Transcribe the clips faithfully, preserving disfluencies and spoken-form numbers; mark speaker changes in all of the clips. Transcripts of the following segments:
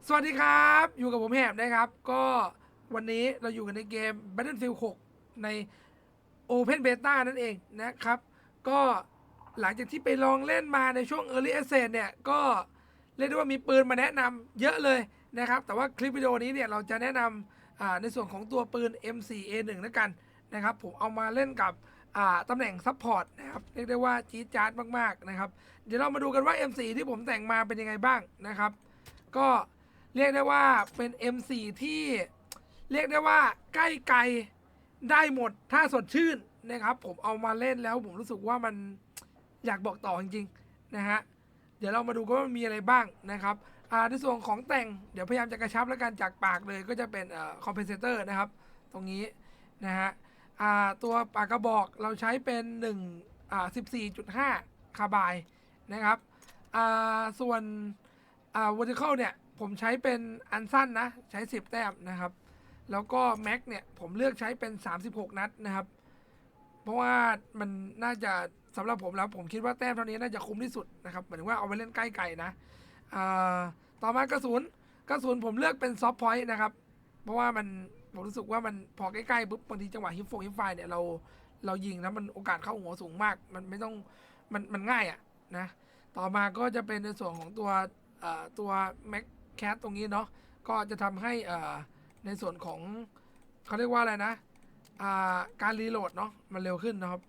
Speaker 1: สวัสดีครับอยู่กับผมแหบนะครับก็วันนี้เราอยู่กันในเกม Battlefield หก ใน Open Beta นั่นเองนะครับก็หลังจากที่ไปลองเล่นมาในช่วง Early Access เนี่ยก็เรียกได้ว่ามีปืนมาแนะนำเยอะเลยนะครับแต่ว่าคลิปวิดีโอนี้เนี่ยเราจะแนะนำในส่วนของตัวปืน เอ็ม โฟร์ เอ วัน แล้วกันนะครับผมเอามาเล่นกับตำแหน่งซัพพอร์ตนะครับเรียกได้ว่าจี๊ดจ๊าดมากๆนะครับเดี๋ยวเรามาดูกันว่า เอ็ม โฟร์ ที่ผมแต่งมาเป็นยังไงบ้างนะครับก็เรียกได้ว่าเป็น เอ็ม โฟร์ ที่เรียกได้ว่าใกล้ไกลได้หมดถ้าสดชื่นนะครับผมเอามาเล่นแล้วผมรู้สึกว่ามันอยากบอกต่อจริงๆนะฮะเดี๋ยวเรามาดูกันว่ามันมีอะไรบ้างนะครับในส่วนของแต่งเดี๋ยวพยายามจะกระชับแล้วกันจากปากเลยก็จะเป็นคอมเพนเซเตอร์นะครับตรงนี้นะฮะตัวปากกระบอกเราใช้เป็นหนึ่งอ่า สิบสี่จุดห้า คาร์บายนะครับส่วน vertical เนี่ยผมใช้เป็นอันสั้นนะใช้สิบแต้มนะครับแล้วก็แม็กเนี่ยผมเลือกใช้เป็นสามสิบหกนัดนะครับเพราะว่ามันน่าจะสำหรับผมแล้วผมคิดว่าแต้มเท่านี้น่าจะคุ้มที่สุดนะครับหมายถึงว่าเอาไปเล่นใกล้ไกลนะต่อมากระสุนกระสุนผมเลือกเป็นซอฟต์พอยต์นะครับเพราะว่ามันผมรู้สึกว่ามันพอใกล้ๆปุ๊บบางทีจังหวะฮิปโฟฮิปไฟเนี่ยเราเรายิงนะมันโอกาสเข้าหัวสูงมากมันไม่ต้องมันมันง่ายอ่ะนะต่อมาก็จะเป็นในส่วนของตัวตัวแม็กแคสตรงนี้เนาะก็จะทำให้ในส่วนของเขาเรียกว่าอะไรนะการรีโหลดเนาะมันเร็วขึ้นนะครับ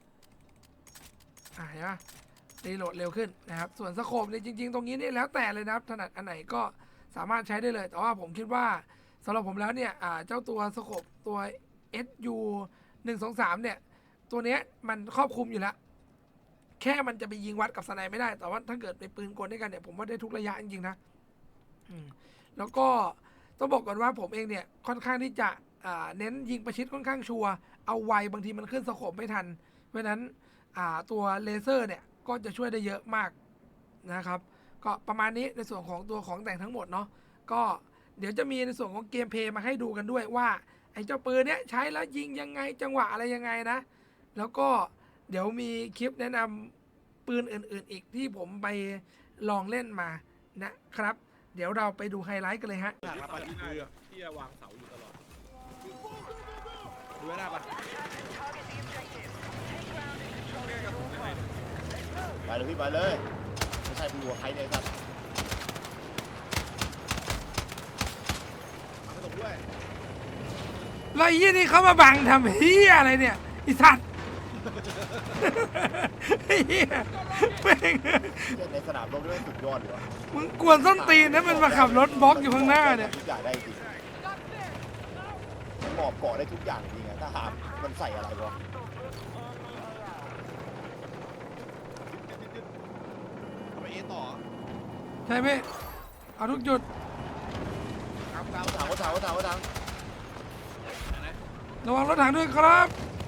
Speaker 1: อ่าเห็นไหมรีโหลดเร็วขึ้นนะครับส่วนสโคปเนี่ยจริงๆตรงนี้นี่แล้วแต่เลยนะครับถนัดอันไหนก็สามารถใช้ได้เลยแต่ว่าผมคิดว่าสำหรับผมแล้วเนี่ยเจ้าตัวสโคปตัว เอส ยู หนึ่ง สอง สามเนี่ยตัวเนี้ยมันครอบคลุมอยู่แล้วแค่มันจะไปยิงวัดกับสไนไม่ได้แต่ว่าถ้าเกิดไปปืนกลด้วยกันเนี่ยผมว่าได้ทุกระยะจริงๆนะแล้วก็ต้องบอกก่อนว่าผมเองเนี่ยค่อนข้างที่จะเน้นยิงประชิดค่อนข้างชัวร์เอาไวบางทีมันขึ้นสโคปไม่ทันเพราะนั้นตัวเลเซอร์เนี่ยก็จะช่วยได้เยอะมากนะครับก็ประมาณนี้ในส่วนของตัวของแต่งทั้งหมดเนาะก็เดี๋ยวจะมีในส่วนของเกมเพลย์มาให้ดูกันด้วยว่าไอ้เจ้าปืนเนี้ยใช้แล้วยิงยังไงจังหวะอะไรยังไงนะแล้วก็เดี๋ยวมีคลิปแนะนำปืนอื่นๆอีกที่ผมไปลองเล่นมานะครับเดี๋ยวเราไปดูไฮไลท์กันเลยฮะ
Speaker 2: หลักรับปฏิคือที่จะวางเสาอยู่ตลอดดูหน้าปะ
Speaker 3: ไปเลยพี่ไปเลยไม่ใช่พี่หัวใครเนี่ยครับ
Speaker 2: ไม่ตกด้วย
Speaker 1: แล้วยี่นี่เขามาบังทำเฮียอะไรเนี่ยอีสัตว์เฮียแม่ง
Speaker 3: ในสนามรบด้วยสุดยอดเลยวะ
Speaker 1: มึงกวนส้นตีนนะมันมาขับรถบล็อกอยู่ข้างหน้าเนี่ย
Speaker 3: ทุกอย่างได้จริงมันหมอบเกาะได้ทุกอย่างจริงอะถ้าหามมันใส่อะไรวะ
Speaker 2: ทำไมเอต่อ
Speaker 1: ใช่ไหมเอาทุกจุด
Speaker 3: กลางกลางถังก็ถังก็ถังก็ถัง
Speaker 1: ระวังรถถังด้วยครับ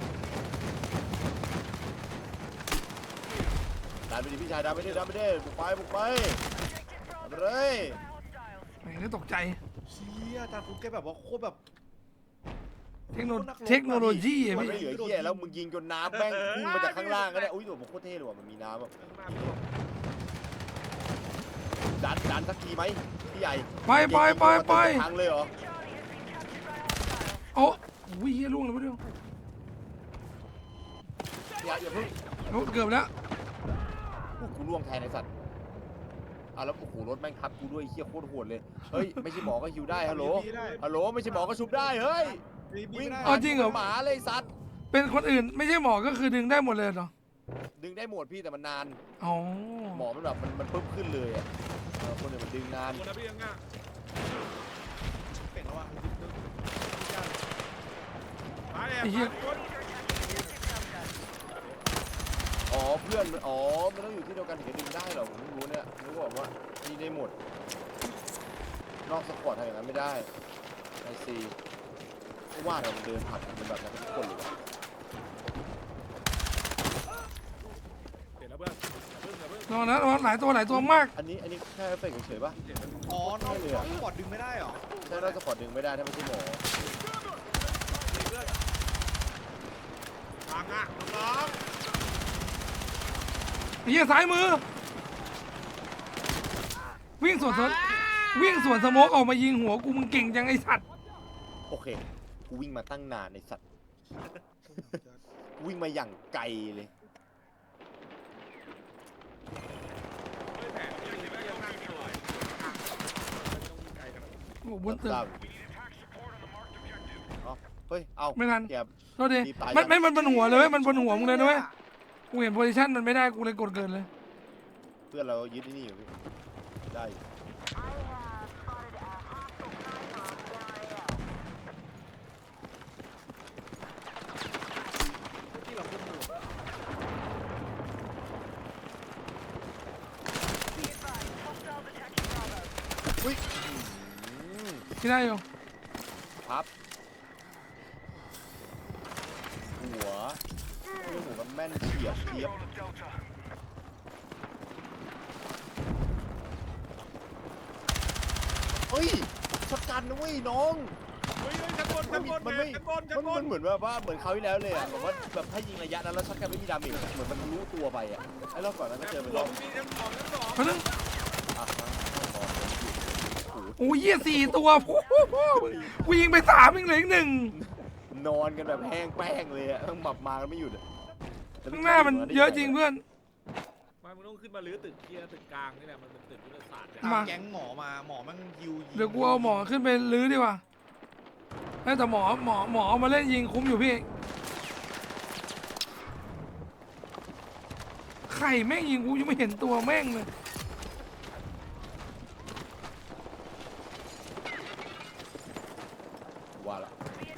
Speaker 3: ดันไปดิพี่ชายดันไปดิดันไปดิบุกไปบุกไปไปเลย
Speaker 1: แม่งนี่ตกใจ
Speaker 2: เชี่ยจานฟุกแกแบบว่าโคตรแบบ
Speaker 1: เทคโนเทคโนโลยีอะ
Speaker 3: พี่
Speaker 1: ไม่
Speaker 3: เหลือเหี้ยแล้วมึงยิงจนน้ำแม่งพุ่งมาจากข้างล่างก็ได้อุ้ยตัวมันโคตรเท่เลยว่ะมันมีน้ำแบบดันดันสักทีไหมพี่ใหญ่
Speaker 1: ไปไปไปไป
Speaker 3: ทางเลยเหรอ
Speaker 1: โอ้วิ่งล่วงเลยไม่รู้
Speaker 3: อย่าอย่าเพิ่ง
Speaker 1: โอ้เกือบแล้ว
Speaker 3: กูล่วงแทนไอ้สัตว์อ่ะแล้วโอ้โหรถแม่งทับกูด้วยเหี้ยโคตรโหดเลยเฮ้ยไม่ใช่หมอก็ฮิวได้ฮัลโหลฮัลโหลไม่ใช่หมอก็ชุบได้เฮ้ย
Speaker 1: วิ่งอ๋อจริงเหรอ
Speaker 3: หมาเลยสัตว์
Speaker 1: เป็นคนอื่นไม่ใช่หมอก็คือดึงได้หมดเลยเหรอ
Speaker 3: ดึงได้หมดพี่แต่มันนาน
Speaker 1: อ๋อ
Speaker 3: หมอมันแบบมันมันปึ๊บขึ้นเลยอ่ะคนอื่นมันดึงนาน
Speaker 2: คนละพี่ยังง่ะเป่งแล้ววะ
Speaker 1: ไอ้เหี้ย
Speaker 3: อ๋อเพื่อนมันอ๋อมันต้องอยู่ที่เดียวกันถึงจะดึงได้เหรอผมไม่รู้เนี่ยรู้บอกว่านี่ได้หมดนอกสปอร์ตทำอย่างนั้นไม่ได้ไอซีเพราะว่าเราเดินผัดกันเป็นแบบนั้นทุกคนเลย
Speaker 2: เห็นแล้วเพื่อน
Speaker 1: ตอนนั้นหลายตัวหลายตัวมาก
Speaker 3: อันนี้อันนี้แค่เฟกเฉยๆป่ะ
Speaker 2: อ๋อนอกเลยสปอร์ตดึงไม่ได้หรอ
Speaker 3: ใช่นอกสปอร์ตดึงไม่ได้ถ้าไม่ใช่หมอ
Speaker 2: ทางอ่ะน้อง
Speaker 1: เฮียซ้ายมือวิ่งสวนสวนวิ่งสวนสโมกออกมายิงหัวกูมึงเก่งจังไอสัตว์
Speaker 3: โอเคกูวิ่งมาตั้งนานในสัตว์ กูวิ่งมาอย่างไกลเลย
Speaker 2: ไม่แผนยังไม่ยังนั่งสวยต้องไกลขนาดนั้น
Speaker 1: โอ้โหบนตึก
Speaker 3: ทราบเอาเฮ้ย เอา
Speaker 1: ไม่ทัน
Speaker 3: เก็บ
Speaker 1: โทษที
Speaker 3: รีบตาย
Speaker 1: มัน
Speaker 3: ยัง
Speaker 1: ไม่มันบนหัวเลยเว้ยมันบนหัวมึงเลยนะเว้ยกูเห็นโพซิชันมันไม่ได้กูเลยกดเกินเลย
Speaker 3: เพื่อนเรายึดที่นี่อยู่พี่ได้อยู่
Speaker 2: ที่เราพูดถูก
Speaker 3: อุ้ยอืม
Speaker 1: ที่ได้อยู่
Speaker 3: พับ หัวโอ้ยหัวมันแม่นเฉียบเทียบเฮ้ยช็อตกันนะเว้ยน้อง
Speaker 2: เฮ้ยชั้นบน
Speaker 3: มั
Speaker 2: ชั้
Speaker 3: น
Speaker 2: นบน
Speaker 3: มันไม่
Speaker 2: ชั้นบนชั้
Speaker 3: มัน น
Speaker 2: บ
Speaker 3: มัน นเหมือนแบบว่าเหมือนคราวที่แล้วเลยอะแบบว่าแบบถ้ายิงระยะนั้นแล้วช็อตกันไม่มีดาเมจเหมือนมันรู้ตัวไปอะไอ้รอบก่อนนั้นก็เจอไปรอบ
Speaker 2: มีชั้นสองชั้นสอง
Speaker 1: เพราะนึง
Speaker 3: อ่ะฮะนอนเลยโอ้โห
Speaker 1: โอ้ยเหี้ยสี่ตัวโอ้โหกูยิงไปสามอีกเหลืออีกหนึ่ง
Speaker 3: นอนกันแบบแห้งแป้งเลยอะต้องหมับมากันไม่หยุดอะ
Speaker 1: ข้างหน้ามันเยอะจริงเพื่อน
Speaker 2: มามึงต้องขึ้นมาลื้อตึกเคลียร์ตึกกลางนี่แหละมันเป็นตึกยุทธศาสตร์เนี่ย
Speaker 1: มา
Speaker 4: แก๊งหมอมาหมอมันยิวยิง
Speaker 1: เดี๋ยวกูเอาหมอขึ้นไปลื้อดีกว่าเอ้ยแต่หมอหมอหมอเอามาเล่นยิงคุ้มอยู่พี่ไข่แม่งยิงกูยังไม่เห็นตัวแม่งเลย
Speaker 3: ว่าละ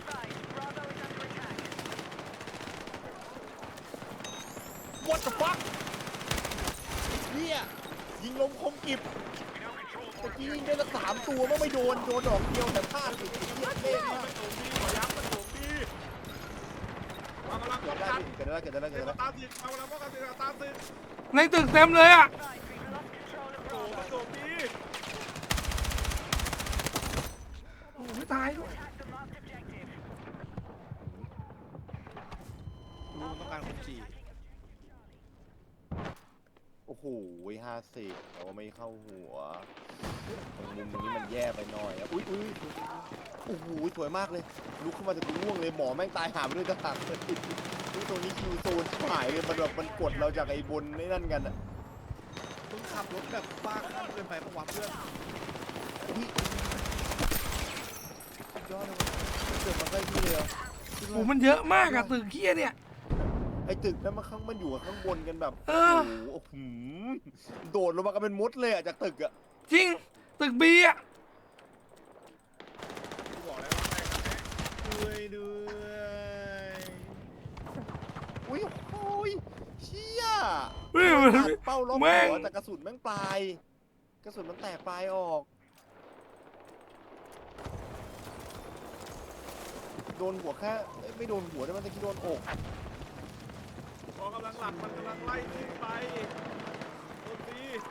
Speaker 3: วัด the fuck เนี่ยยิงลมคมกิบตะกี้ยิงได้ละสามตัวมันไม่โดนโดนดอกเดียวแต่พลาดอีกเยี่ยมเล่นมาก
Speaker 2: มันโถมดีขอย้ำมันโถมดีมากำลัง
Speaker 3: เกิ
Speaker 2: ป้
Speaker 3: ด
Speaker 2: อง
Speaker 3: ได้
Speaker 2: กัน
Speaker 3: ดิเกิดได้เกิดได้เกิด
Speaker 2: เดี๋ยว
Speaker 3: ได้
Speaker 2: ตามติดมากำลังป้องกันติดตามติด
Speaker 1: ในตึกเต็มเลยอ่ะ
Speaker 2: โอ้มันโถมดี
Speaker 1: โอ้โหไม่ตายด้วย
Speaker 4: รู้มันต้องการคนจี
Speaker 3: โอ้โหห้าสิบแต่ว่าไม่เข้าหัวตรงมุมตรงนี้มันแย่ไปหน่อยอะอุ้ยอุ้ยโอ้โหสวยมากเลยลุกขึ้นมาจากกูร่วงเลยหมอแม่งตายหาไปด้วยต่างเลยนี่ตรงนี้คิวโซนชิบหายเลยมันแบบมันกดเราจากไอ้บนไอ้นั่นกันอะ
Speaker 4: ต้องขับรถแบบบ้าคลั่งเกินไปประวัติเพื่อน
Speaker 3: อุ้ยสุดยอดเลยเกิดมาใกล้ที่เลยเหรอ
Speaker 1: โอ้โหมันเยอะมากอะตึกเคี้ยเนี่ย
Speaker 3: ไอ้ตึกนั้นมันข้างมันอยู่ข้างบนกันแบบ
Speaker 1: เอ
Speaker 3: โอ้
Speaker 1: อ
Speaker 3: โหหืมโดดลงมากันเป็นมดเลยอะจากตึกอะ
Speaker 1: จริงตึกบีอะ
Speaker 2: กูบอกแล้วว่าแม่งกันแน่
Speaker 4: ด้วยด้วย
Speaker 3: อุ้ยโอ้ยเชี่ย
Speaker 1: เฮ้ยมัน
Speaker 3: ผ่านเป้าล็อก
Speaker 1: แม่ง
Speaker 3: หัวแต่กระสุนแม่งปลาย กระสุนมันแตกปลายออก โดนหัวแค่เอ้ยไม่โดนหัวแต่มันตะกี้โดนอก
Speaker 2: พอกำลังหลับมันกำลังไล่ขึ้นไปโดนดี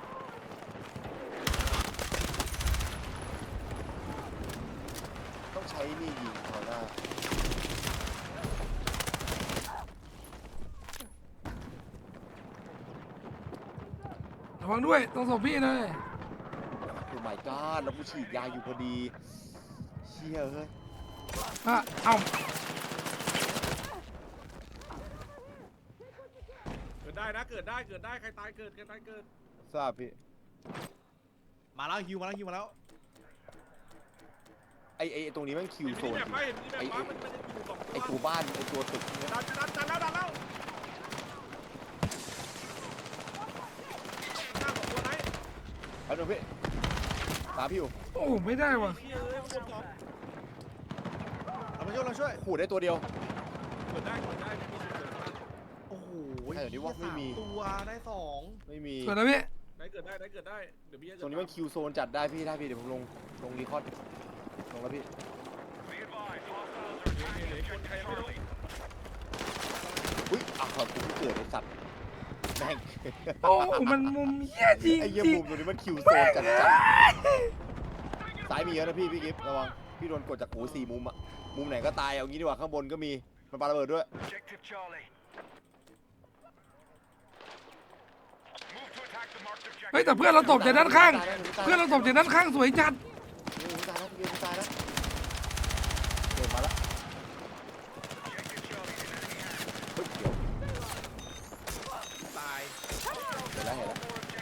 Speaker 3: ต้องใช้นี่ยิงเขาหน้า
Speaker 1: ระวังด้วยต้องศพพี่เลย
Speaker 3: โอ้ my god แล้วกูฉีดยาอยู่พอดี เชี่ยเฮ้ย
Speaker 1: อ่ะเอ้า
Speaker 2: เกิดได้นะเกิดได้เกิดได้ใครตายเกิดใครตายเกิด
Speaker 3: ทราบพี่
Speaker 4: มาแล้วฮิวมาแล้วฮิวมาแล้ว
Speaker 3: ไอไอไอ้ตรงนี้แม่งคิว
Speaker 2: เห็น
Speaker 3: โซ
Speaker 2: มี
Speaker 3: น
Speaker 2: แบบ
Speaker 3: จริง
Speaker 2: ไม่เห็นมีแบบว่ามันมันจะอยู่สอง
Speaker 3: ไอ
Speaker 2: ตั
Speaker 3: ตัว วบ้านไอตัวตึกเนี่ย
Speaker 2: ดันดันดันแล้วดันแล้วหน้าของตัวไหน
Speaker 3: แป๊บนึงพี่ตามพี่อยู่
Speaker 1: โอ้ไม่ได้ว่ะ
Speaker 2: เชี่ยเอ้ยข้างบนสอง
Speaker 4: เรามาช่วยเราช่วย
Speaker 3: ขู่ได้ตัวเดียว
Speaker 2: เกิดได้เกิดได้ไม่มีสิทธิ์เกิดได้
Speaker 4: โอ้โห
Speaker 3: ใช่เดี๋ยวนี้ว่าไม่มี
Speaker 4: สตัวได้สอง
Speaker 3: ไม่มี
Speaker 1: เกิดแล้วพี่
Speaker 2: ได้เกิดได้ได้เกิดได้เดี๋ยวพี่จะ
Speaker 3: ตรงนี้แม่งคิวโซนจัดได้พี่ได้พี่เดี๋ยวผมลงลงรีคอร์ดลงแล้วพี่
Speaker 2: เดี๋ยวคนใครยังไม่รู้
Speaker 3: อุ้ยอ่ะกูเพิ่งเกิดไอสัตว์แม่ง
Speaker 1: โอ้มันมุมเหี้ยจริง
Speaker 3: ไอ้เยี่ย
Speaker 1: จริง
Speaker 3: มุมตรงนี้มันคิวโซนจัดจัดซ้ายมีเยอะนะพี่พี่กิฟต์ระวังพี่โดนกดจากหูสี่มุมอะมุมไหนก็ตายเอางี้ดีกว่าข้างบนก็มีมันปาระเบิดด้วย
Speaker 5: Objective Charlie. Move to attack
Speaker 1: เฮ้ยแต่เพื่อนเราตบจากด้านข้าง เพื่อนเราตบจากด้านข้างสวยจัด
Speaker 3: โอ้ยตายแล้วพี่ตายแล้วโดนมาแล้วเฮ้ยเดี๋ยว
Speaker 4: ตาย
Speaker 3: เห็นแล้วเห็นแล้ว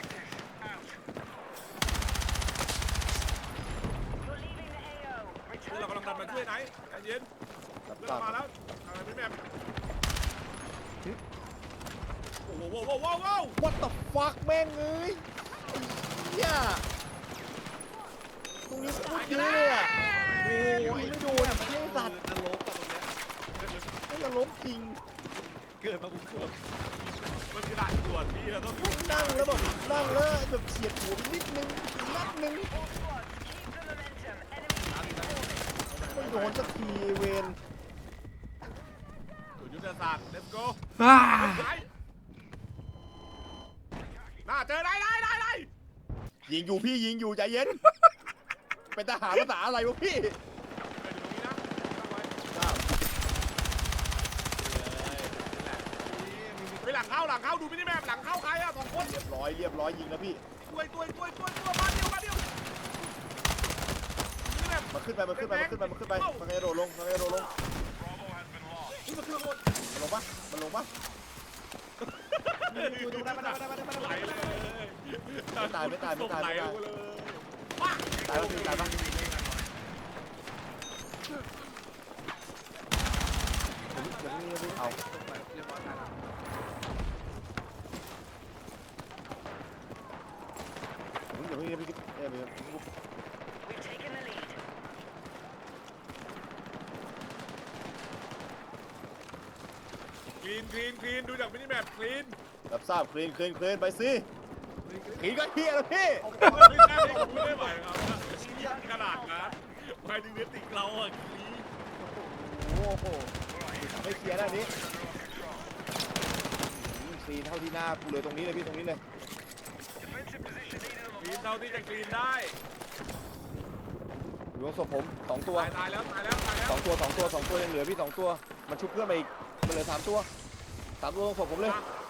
Speaker 2: คือเรากำลังดันมาช่วยไหนใจเย็น
Speaker 3: รับ
Speaker 2: เพื่อน
Speaker 3: ทรา
Speaker 2: เรา
Speaker 3: บ
Speaker 2: มาแล้วทางไหนพี่แมมโอ้โหโว้วโว้วโว้วโว้ว
Speaker 3: What the fuck แม่งเอ้ยเหี้ยตรงนี้พูดเยอะเลยอ่ะโอ้ยไม่โดนเที่ยสัตว์
Speaker 4: นรกกับตรงเนี้ย
Speaker 3: ไม่จะลบจริง
Speaker 4: เกิดมาบุกเกิด
Speaker 2: มันคือด่านตรวจพี่เราต้อง
Speaker 3: นั่งแล้วแบบนั่งแล้วแบบเฉียดหัวไปนิดนึงนัดนึงไม่โดนสักทีเวน
Speaker 2: ตรวจยุทธศาสตร์ let's go
Speaker 1: อ่า
Speaker 2: หน้าเจอได้ได้ได้ได้
Speaker 3: ยิงอยู่พี่ยิงอยู่ใจเย็น เป็นทหารภาษาอะไรวะพี่
Speaker 2: ไปอยู่ตรงนี้นะตั้งไว้
Speaker 3: ทราบ
Speaker 2: ไปหลังเข้าหลังเข้าดูมินิแมปหลังเข้าใครอะสองคน
Speaker 3: เรียบร้อยเรียบร้อยยิงแล้วพี่
Speaker 2: ตัวตัวตัวตัวตัวมาเดียวมาเดียวมินิแมป
Speaker 3: มันขึ้นไปมันขึ้นไปมันขึ้นไปมันขึ้นไปมันกระโดดลงมันกระโดดลง
Speaker 2: นี่มันคือคน
Speaker 3: มันลงปะมันลงปะ
Speaker 4: ดูดูได้มาได้มาได้มาได้
Speaker 2: ไหล
Speaker 4: มา
Speaker 2: เลย
Speaker 3: ไม่ตายไม่ตายไม่ตายไม่ตาย
Speaker 2: ไหลเลย
Speaker 3: ตายปะพี่ตายปะผมยังไม่รู้เอา
Speaker 4: เรียบร้อยตายแล้ว
Speaker 3: ผมยังไม่รู้พี่เอ้ยไม่รู้
Speaker 2: คลีนคลีนคลีนดูจากมินิแมปคลีน
Speaker 3: รับทราบคลีนคลีนคลีนไปสิคลีนก็เฮียแล้วพี่
Speaker 2: ไม่ได้ไม่ไหวครับขนาดนั้นไปดึงเนื้อติกเราอะคลีน
Speaker 3: โอ้โหไม่เคลียร์ด้านนี้คลีนเท่าที่หน้ากูเลยตรงนี้เลยพี่ตรงนี้เลย
Speaker 2: คลีนเท่าที่จะคลีนได้
Speaker 3: อยู่ตรงศพผมสองตัว
Speaker 2: ตายตายแล้วตายแล้วตายแล้ว
Speaker 3: สองตัวสองตัวสองตัวยังเหลือพี่สองตัวมันชุบเพื่อนไปอีกมันเหลือสามตัวสามตัวตรงศพผมเลย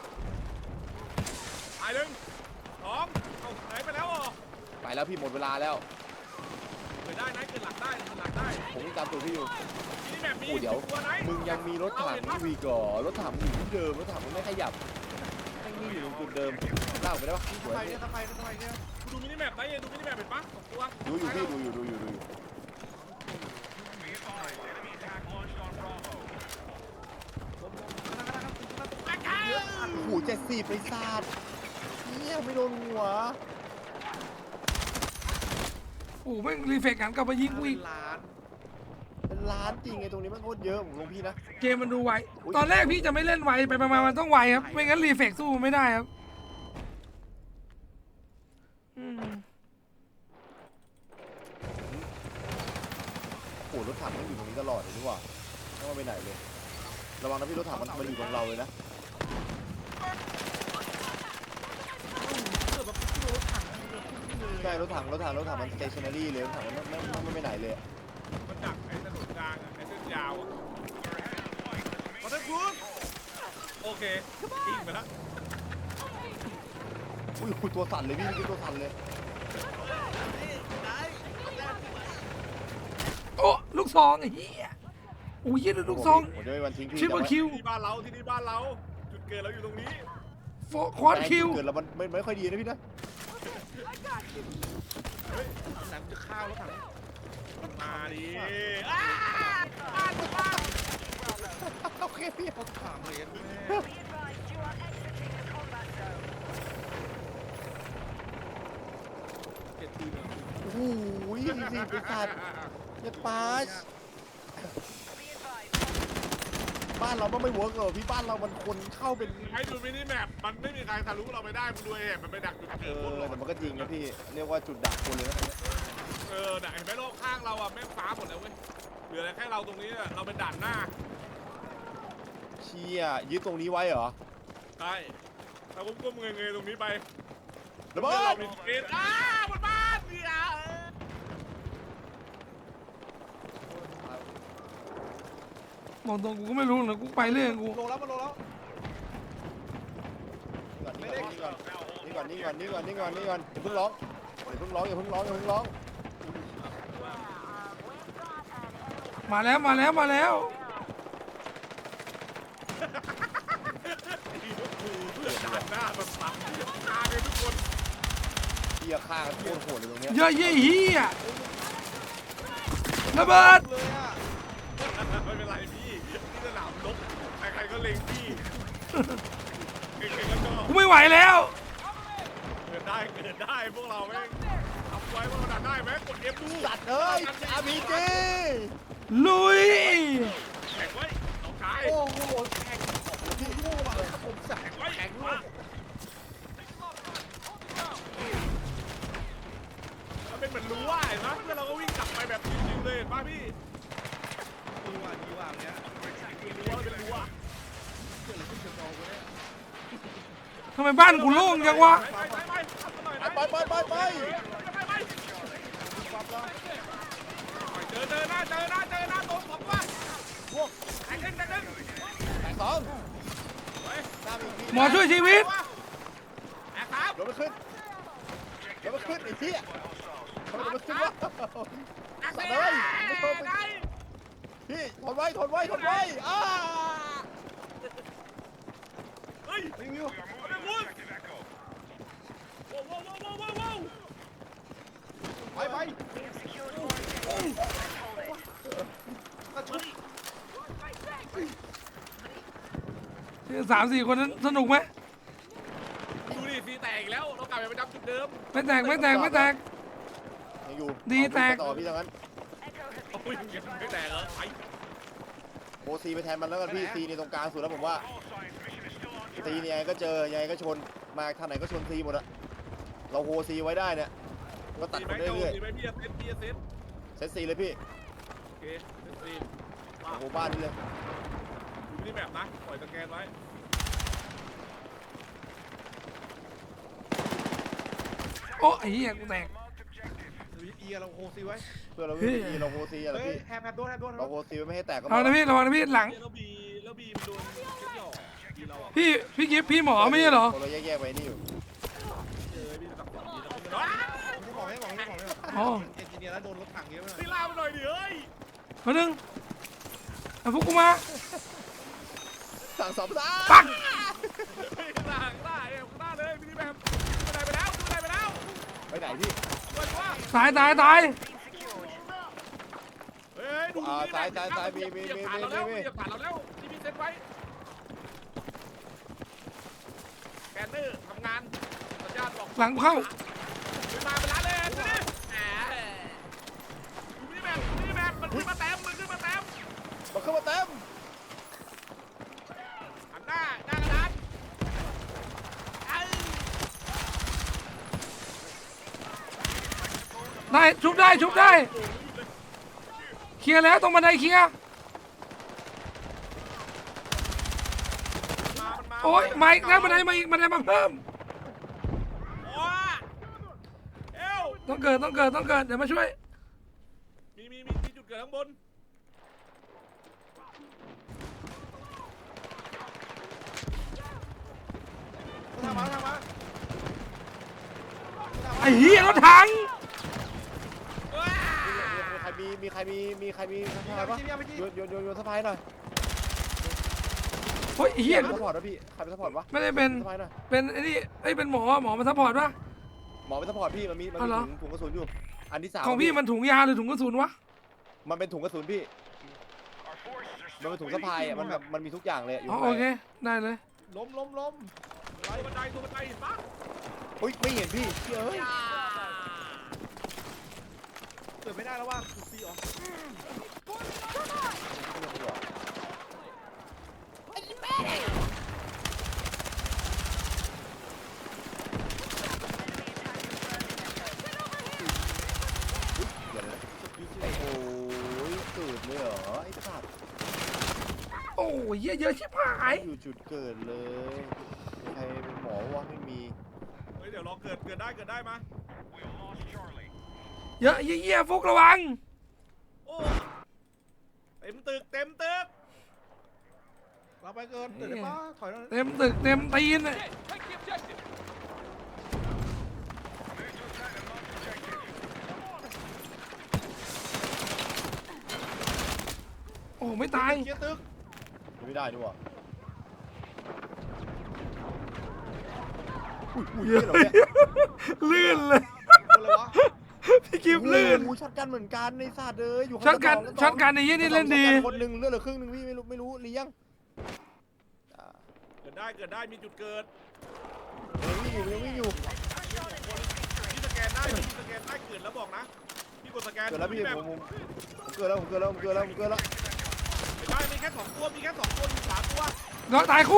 Speaker 2: ตายหนึ่งสองเอาไหนไปแล้วอ่ะ
Speaker 3: ไปแล้วพี่หมดเวลาแล้ว
Speaker 2: เกิดได้นะเกิดหลังได้เกิดหลังได้
Speaker 3: ผมยังตามตัวพี่อยู่
Speaker 2: มินิแมปมี
Speaker 3: โอ้เดี๋ยว
Speaker 2: ตัวไหน
Speaker 3: มึงยังมีรถถังวีก่อรถถังมึงอยู่ที่เดิมรถถังมึงไม่ขยับแม่งนี่อยู่ตรงจุดเดิมลากไปได้ปะสวย
Speaker 4: ทำไม
Speaker 3: พี่
Speaker 4: เนี่ยทำไมเนี่ยทำไมเนี่ย
Speaker 2: ดูมินิแมปได้ยังดูมินิแมปเป็นปะสองตัว
Speaker 3: ดูอยู่พี่ดูอยู่ดูอยู่ดูอยู่ โอ้โหเจ็ดสิบไปซาดเนี่ยไม่โดนหัว
Speaker 1: โอ้โหแม่งรีเฟกหันกลับมายิงกูอีก
Speaker 4: ล้าน
Speaker 3: เป็นล้านจริงไงตรงนี้มันโคตรเยอะผมลงพี่นะ
Speaker 1: เกมมันดูไว ตอนแรกพี่จะไม่เล่นไวไปมาๆมันต้องไวครับ ไม่งั้นรีเฟกสู้มันไม่ได้ครับอืม
Speaker 3: โอ้โหรถถังมันอยู่ตรงนี้ตลอดเลยนี่หว่าไม่ว่าไปไหนเลยระวังนะพี่รถถังมันมันอยู่ตรงเราเลยนะ
Speaker 4: เกิดแบบโดนถังเลย
Speaker 3: ใช่รถถังรถถังรถถังมัน stationary เลยรถถังมันไม่ไม่ไม่ไปไหนเลย
Speaker 2: มันดักไอ้ถนนกลางอะไอ้เส้นยาวอะมาเถอะคุณโอเคยิงไปแล้ว
Speaker 3: อุ้ยอุ้ยตัวสั่นเลยพี่นี่คือตัวสั่นเลย
Speaker 1: โอ้ลูกซองไอ้เหี้ยโอ้ยเหี้ยลูกซอง
Speaker 3: ผมจะไม่วันทิ้งพี่
Speaker 1: ชิปเปอร์คิว
Speaker 2: ที่บ้านเราที่นี่บ้านเราจุดเกิดเราอยู่ตรงนี้
Speaker 1: โฟควอดคิว
Speaker 3: เกิดแล้วมันไม่ไม่ค่อยดีนะพี่นะ
Speaker 4: หนังจะข้าวรถถัง
Speaker 2: มาดิอ้าบ้านบ้าน
Speaker 3: โอเคพี่
Speaker 4: รถถังเลยแม่เจ็ดตีน
Speaker 3: โอ้โหสิไปสัตว์อย่าปาชบ้านเรามันไม่เวิร์กเหรอพี่บ้านเรามันคนเข้าเป็น
Speaker 2: ให้ดูมินิแมปมันไม่มีใครทะลุเราไปได้มึงดูเองมันไปดักจุด
Speaker 3: เอ
Speaker 2: เกิดพวก
Speaker 3: อ
Speaker 2: เรา
Speaker 3: แต่มันก็จริงนะพี่เรียกว่าจุดดักคนเลยนะ
Speaker 2: เออน่ะเห็นไหมโลกข้างเราอ่ะแม่งฟ้าหมดแล้วเว้ยเหลือแค่เราตรงนี้อะเราเป็นด่านหน้า
Speaker 3: เชี่ยยึดตรงนี้ไว้เหรอ
Speaker 2: ใช่เราก้มๆเงยๆตรงนี้ไประ
Speaker 3: เบิ
Speaker 2: เรา
Speaker 3: ด
Speaker 2: มีเกณฑ์อ้าบนบ้านเนี่ย
Speaker 1: มองตรงกูก็ไม่รู้นะกูไปเรื่องกู
Speaker 4: ลงแล้วมันลงแล้ว
Speaker 3: ก่อนนี่ก่อนนี่ก่อนนี่นี่ก่อนนี่ก่อนนี่ก่อนนี่ก่อนนี่ก่อนอย่าเพิ่งร้องอย่าเพิ่งร้องอย่าเพิ่งร้องอย่าเพิ่งร้อง
Speaker 1: มาแล้วมาแล้วมาแล้ว
Speaker 2: ด่านหน้าแบบสับตาเลยทุกคน
Speaker 3: เฮียฆ่ากันโคตรโหดเลยตรงเนี้ย
Speaker 1: เยอะเยี่ยเฮียระเบิด
Speaker 4: เลยอ่ะ
Speaker 2: ไม่เป็นไรพี่ที่สนามรบใครๆก็เล็งพี่ใครๆก็ชอบ
Speaker 1: กูไม่ไหวแล้ว
Speaker 2: เกิดได้เกิดได้พวกเราแม่งทำไว้พวกเราดันได้ไหมกดเอฟดู
Speaker 3: สัตว์เอ้ยอาร์พีจี
Speaker 1: ลุย
Speaker 2: แข่งไว้น้องชาย
Speaker 3: โอ้โหแข่งที่โง่ว่ะผมสั่ง
Speaker 2: แข่งไว้
Speaker 3: แข่ง
Speaker 2: มา
Speaker 3: ด้วย
Speaker 2: มันเป็นเหมือนรู้ว่าเห็นไหมเพื่อนเราก็วิ่งกลับไปแบบจริงๆเลยเห็นป่ะพี่
Speaker 4: ดีว่าดีว่าเนี้ย
Speaker 2: คือรู้ว่าเป็นรู้ว่า
Speaker 4: เกิดอะไรขึ้นกับน้องกูเนี่ย
Speaker 1: ทำไมบ้านกูโล่งจังวะ
Speaker 2: ไปไปไปทำกันหน่อยนะ
Speaker 3: ไปไปไปไป
Speaker 2: ไปไปไป
Speaker 4: ปั๊บแล้ว
Speaker 2: เจอเจอหน้าเจอหน้าเจอหน้าตรงผมว่า
Speaker 3: พวก
Speaker 2: แข่งกันแข่งกัน
Speaker 3: แข่งสองหน้ามีที
Speaker 1: หมอช่วยชีวิต
Speaker 2: แข่งครับ
Speaker 3: รถไม่ขึ้นรถไม่ขึ้นไอ้เหี้ยทำไมรถไม่ขึ้นวะ
Speaker 2: แข่ง
Speaker 3: สัตว์
Speaker 2: เล
Speaker 3: เอ้
Speaker 2: ย
Speaker 3: ยไม่ชอบไปพี่ทนไว้ทนไว้ทนไว้อ้า
Speaker 2: เฮ้ย
Speaker 3: รีวิว
Speaker 2: เอาไปวุ้นว้าวว้าวว้าวว้าวว้าว
Speaker 3: ไปไป
Speaker 4: กระชุบ
Speaker 1: สามสี่คนนั้นสนุกไหม
Speaker 2: ดูดิซีแตกอีกแล้วเรากลับไปประจำจุดเดิม
Speaker 1: ไม่แตกไม่แตกไม่แตก
Speaker 3: ยังอยู่
Speaker 1: ดีแตก
Speaker 3: ต่อพี่ทั้งนั้น
Speaker 2: โอ้ยยังไม่แตกเหรอไอ้
Speaker 3: โอซีไปแทนมันแล้วกันพี่ซีในตรงกลางสุดแล้วผมว่าซีเนี่ยยังไงก็เจอยังไงก็ชนมาทางไหนก็ชนซีหมดอะเราโฮซีไว้ได้เนี่ยก็ตัด
Speaker 2: ดี
Speaker 3: ค
Speaker 2: ไหม
Speaker 3: น
Speaker 2: เจ้า
Speaker 3: เรื่อย
Speaker 2: ดีไหมพี่เซตพี่เซต
Speaker 3: ๆเซตซีเลยพี่
Speaker 2: โอเคเซตซีมา
Speaker 3: โอ้โหบ้านนี่เลย
Speaker 2: ดูนี่แบบนะปล่อยสแกนไว้
Speaker 1: โอ้ไอ้เหี้ยกูแตก
Speaker 4: หรือเอียเราโคซีไว้
Speaker 3: เพื่อเราไม่มีเราโฮซีอะไร
Speaker 4: เฮ้ย
Speaker 3: พี่
Speaker 4: แฮมแฮมโดนแฮมโดน
Speaker 3: เราโฮซีไว้ไม่ให้แตกก็
Speaker 1: เอานะพี่ระวังนะพี่หลัง
Speaker 2: แล้วบีแล้วบีมันโดนเช็ดหยอกบีเราอ่ะ
Speaker 1: พี่พี่กิฟต์พี่หมอไม่ใช่เหรอ
Speaker 3: เราแยกๆไว้นี่อยู่
Speaker 2: เจอบีตักสองบีแล้วก็ไม่ได้
Speaker 4: ไม่บอกไม่บอกไม่บอกไม่บอก
Speaker 1: อ๋อ
Speaker 4: เอนจิเนียร์แล้วโดนรถถังเยอะไปหน่อย
Speaker 2: พี่ลาไปหน่อยดิเฮ้ย
Speaker 1: มาหนึ่งเอาพวกกูมา
Speaker 3: สั่งสองซ่า
Speaker 1: ปัก
Speaker 2: เฮ้ยข้างหน้าข้างหน้าเอ้ยข้างหน้าเลยพี่แบบไปไหนไปแล้วไปไหนไปแล้ว
Speaker 3: ไปไหนพี่
Speaker 2: ไปว่า
Speaker 1: ตายตายตาย
Speaker 2: เฮ้ยดูนี่เหยียบผ่านเราแล้วเหยียบผ่านเราแล้วที่พี่เซตไว้แกนเนอร์ทำงานสัญญาณบอก
Speaker 1: หลังเข้า
Speaker 2: มาเป็นร้านเลยดูดิแหมดูนี่แบบดูนี่แบบมันขึ้นมาเต็มมันขึ้นมาเต็ม
Speaker 3: มาเข้ามาเต็ม
Speaker 2: หันหน้าหน้ากระดานไอ้
Speaker 1: ได้ชุบได้ชุบได้เคลียร์แล้วตรงบันไดเคลียร์
Speaker 2: มามันมา
Speaker 1: โอ้ยมาอีกแล้วบันไดมาอีกบันไดมาเพิ่ม
Speaker 2: โอ้ยเอ้ว
Speaker 1: ต้องเกิดต้องเกิดต้องเกิดเดี๋ยวมาช่วย
Speaker 2: มีมีมีมีจุดเกิดข้างบน
Speaker 4: ทำมาทำมา
Speaker 1: ไอ้เหี้ยรถถัง
Speaker 2: ว้า
Speaker 3: มีใครมีมีใครมีมีใครมีสะ
Speaker 4: ยิง
Speaker 3: พาย
Speaker 4: ไป
Speaker 3: ปะ
Speaker 4: ยิงไปยิง
Speaker 3: โยนโยนโยนโยนสะพายหน่อย
Speaker 1: โอ้ยไอ้เหี้ย
Speaker 3: ใครเป็นสปอร์ตวะพี่ใครเป็นสปอร์ตวะ
Speaker 1: ไม่ได้เป็น
Speaker 3: สะพายหน่อย
Speaker 1: เป็นไอ้นี่ไอ้ยเป็นหมอหมอมาซัพพอร์ตปะ
Speaker 3: หมอเป็นสปอร์ตพี่มันมีมัน
Speaker 1: อ๋อ
Speaker 3: มี
Speaker 1: เหรอ
Speaker 3: ถุงถุงกระสุนอยู่อันที่สาม
Speaker 1: ของพี่มันถุงยาหรือถุงกระสุนวะ
Speaker 3: มันเป็นถุงกระสุนพี่มันเป็นถุงสะพายอ่ะมันแบบมันมีทุกอย่างเลยอยู่
Speaker 1: อ๋อ
Speaker 3: ข้าง
Speaker 1: โอ
Speaker 3: ใน
Speaker 1: เคได้เลย
Speaker 4: ล้มล้มล้ม
Speaker 2: ตัวบันไดตัวบันไดเห็นปะ
Speaker 3: อุ้ยไม่เห็นพี่เฮ้ย
Speaker 4: เกิดไม่ได้แล้วว่าซีออก
Speaker 3: เดี๋ยวนะโอ้ยเกิดเลยเหรอไอ้สัตว์
Speaker 1: โอ้ยเหี้ยเยอะชิบหาย
Speaker 3: อยู่จุดเกิดเลยมีใครเป็นหมอวะไม่มี
Speaker 2: เฮ้ยเดี๋ยวรอเกิดเกิดได้เกิดได้มา
Speaker 1: เยอะเหี้ยเหี้ยฟุกระวัง
Speaker 2: โอ้เต็มตึกเต็มตึก
Speaker 4: เราไปเกินตื่นได้ปะถอยแล้ว
Speaker 1: เต็มตึกเต็มตีนเลยไม่ตาย
Speaker 4: เคลียร์ตึก
Speaker 3: ไม่ได้ด้วยอุ้ยอุ้ย
Speaker 1: เยอะ
Speaker 3: เหรอเนี่ย
Speaker 1: ลื่นเลย
Speaker 4: อะไรวะ
Speaker 1: พี่กิฟต์ลื่น
Speaker 3: โอ้โหช็อตกันเหมือนกันในศาสตร์เลยอยู่ข้าง
Speaker 1: ช็อตกัน
Speaker 3: สง
Speaker 1: ช็อตกันในยี่นี่เล่นดี
Speaker 3: ช็อตกัคนหนึ่งเลือดเหลือครึ่งหนึ่งพี่ไม่รู้ไม่รู้เลี้ยงอ่า
Speaker 2: เกิดได้เกิดได้มีจุดเกิด
Speaker 3: ยังวิ่งอยู่ยังวิ่งอยู่
Speaker 2: พี่สแกนได้พี่สแกนได้เกิดแล้วบอกนะพี่กดสแกน
Speaker 3: เกิดแล้วพี่
Speaker 2: แบบ
Speaker 3: ผมผมผมเกิดแล้วผมเกิดแล้วผมเกิดแล้วผมเกิดแล้ว
Speaker 2: ไม่ได้มีแค่สองตัวมีแค่สองตัวมีสามตัว
Speaker 1: น้องตายคู่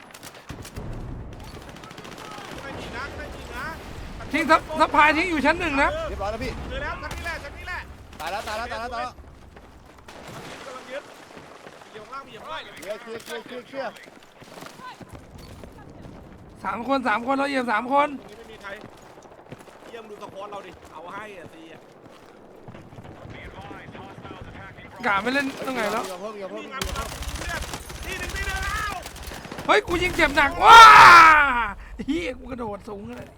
Speaker 2: ไม่มีนะไม่มีนะ
Speaker 1: ทิ้งซับซับพายทิ้งอยู่ชั้นหนึ่งนะ
Speaker 3: เรียบร้อยแล้วพี่
Speaker 2: เจอแล้วชั้นนี้แหละชั้นนี้แหละ
Speaker 3: ตายแล้วตายแล้วตายแล้วตายแล้ว
Speaker 2: กำลังยึดเหยียบข้างล่างมีเหยียบข้างล่าง
Speaker 3: เคลียร์เคลียร์เคลียร์เคลียร์เคลียร์
Speaker 1: สามคนสามคนเราเหยียบสามคน
Speaker 2: ตรงนี้ไม่มีใครเยี่ยมดูสปอร์ตเราดิเอาให้อ่ะซีอ่ะ
Speaker 1: กะไม่เล่นตรงไหนแล้ว
Speaker 3: อย่าเพิ่มอย่าเพิ่ม
Speaker 2: มี
Speaker 3: อย่า
Speaker 2: งับ
Speaker 3: เพิ่ม
Speaker 2: เลือดที่หนึ่งที่หนึ่งแล้ว
Speaker 1: เฮ้ยกูยิงเจ็บหนักว้าเฮียกูกระโดดสูงเลย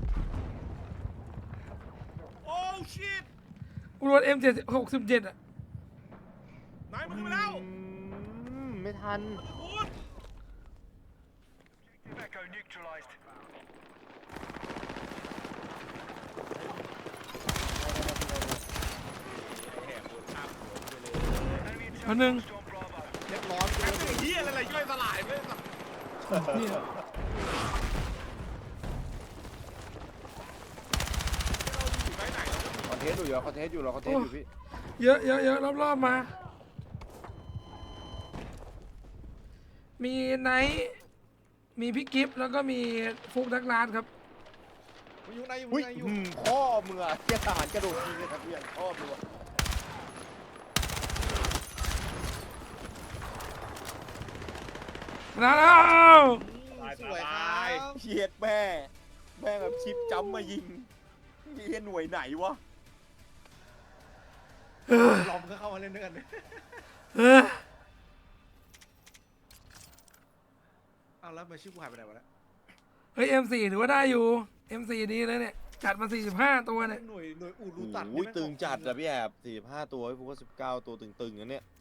Speaker 2: โอ้ชิต
Speaker 1: กูโดนเอ็มเจ็ดหกสิบเจ็ดอ่ะ
Speaker 2: นายมึงไปแล้ว
Speaker 3: อืมไม่ทัน
Speaker 2: คุณ
Speaker 1: คนหนึ่ง
Speaker 4: เรียบร้อย
Speaker 2: แม่งเป็นเฮียอะไรย่อยสลายไม่สัก
Speaker 1: เหี้ย
Speaker 2: อยู่ไหนไหน
Speaker 3: คอนเทนต์อยู่เหรอคอนเทนต์อยู่เหรอคอนเทนต์อยู่พี่
Speaker 1: เยอะเยอะเยอะรอบๆมา มีไนท์มีพี่กิฟต์แล้วก็มีฟุกดักลานครับ
Speaker 4: มันอยู่ในอยู่
Speaker 3: อุ้ย
Speaker 4: ในอยู่
Speaker 3: อืมพ่อมึงอะเทียทหารกระโดดยิงเลยครับเพื่อนพ่อมึงอะ
Speaker 1: แล้ว
Speaker 4: สวยครับ
Speaker 3: เฉียดแม่แม่งแบบชิปจ้ำมายิงนี่หน่วยไหนวะ
Speaker 4: ลอมก็เข้ามาเล่นด้วยกัน
Speaker 1: เออ
Speaker 4: เอาแล้วมาชื่อกูหายไปไหนวะเนี่ย
Speaker 1: เฮ้ย เอ็ม สี่ ถือว่าได้อยู่ เอ็ม สี่ ดีเลยเนี่ย จัดมา สี่สิบห้า ตัวเนี่ย
Speaker 4: หน่วยหน่วยอู่รูตัด
Speaker 3: โอ้ยตึงจัดอะพี่แอบสี่สิบห้าตัวพี่ฟุกก็สิบเก้าตัวตึงๆนะเนี่ย